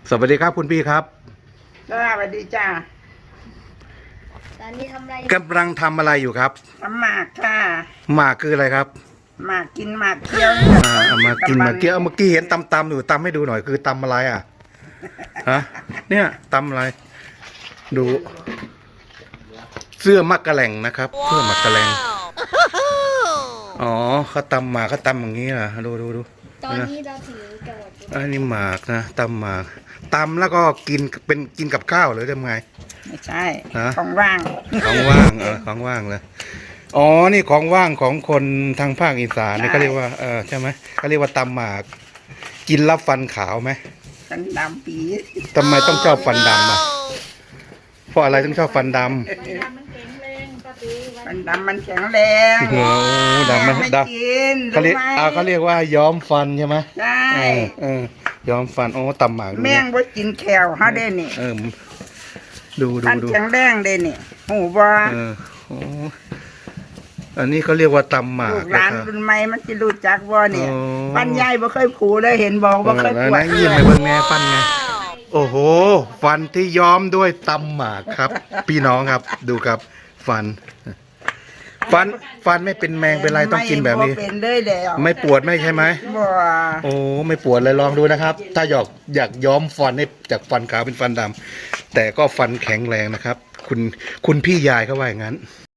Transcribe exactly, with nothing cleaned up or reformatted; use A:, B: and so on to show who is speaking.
A: สวัสดีครับคุณพี่ครับ
B: สวัสดีจ้า
C: ตอนนี้ทำอะไร
A: กำลังทำอะไรอยู่ครับ
B: ทำหมากค่ะ
A: หมากคืออะไรครับ
B: หมากกินหมากเคี้ยว
A: อ่าเอามากินมาเกี้ยวเมื่อกี้เห็นตำตำอยู่ตำให้ดูหน่อยคือตำอะไรอ่ะฮะเนี่ยตำอะไร ดู เสื้อมักกะแหล่งนะครับเสื้อมักกะแหล่งอ๋อเขาตำหมากเขาตำอย่างนี้อ่ะดูดูดู
C: ตอนนี้เราถึงจังหวัดบุรี
A: อันนี้หมากนะตำหมากตำแล้วก็กินเป็นกินกับข้าวหรือทำไง
B: ไม่ใช่
A: ฮะ
B: ของว่าง
A: ของว่างเออของว่างเลยอ๋อนี่ของว่างของคนทางภาคอีสานนี่เขาเรียกว่าเออใช่ไหมเขาเรียกว่าตำหมากกินแล้วฟันขาวไหม
B: ฟันดำปี
A: ทำไมต้องชอบฟันดำอ่ะเพราะอะไรต้องชอบฟันดำ
B: ฟันดำมันแข็งแรง
A: โอ้ดำมัน
B: ไม่
A: ด
B: กิน
A: ำเขาเรียกอ่าเขาเรียกว่าย้อมฟันใช่ไหม
B: ใช่
A: เออเออย้อมฟันโอ้ตำหมากดู
B: แม่งบ่กินแขวเขาได้นี่
A: เออดูดู
B: ฟัน
A: ดู
B: แข็งแรงได้นี่หูบ่
A: เออโอ้อันนี้เขาเรียกว่าตำหมาก
B: ลูกหลาน
A: นะครับ
B: รุ่นใหม่มันจะรู้จักบ่เนี่ย
A: อ๋อ
B: ฟันใหญ่บ่เคยผูเลยเห็นบอกบ่เคย
A: เอ
B: ป
A: อ
B: ว
A: แล้
B: ด
A: วนะยิ้มไปเบิ่งแม่ฟันไงโอ้โห ฟันที่ย้อมด้วยตำหมากครับ พี่น้องครับดูครับ ฟัน ฟันฟันไม่เป็นแมงเป็นไรต้องกินแบบนี้
B: ไม่เป็นเลยแล้ว
A: ไม่ปวดไม่ใช่ไหม
B: บ่
A: โอ้ไม่ปวดเลยลองดูนะครับ ถ้าอยากอยากย้อมฟันให้จากฟันขาวเป็นฟันดำแต่ก็ฟันแข็งแรงนะครับ คุณคุณพี่ยายเขาว่าอย่างนั้น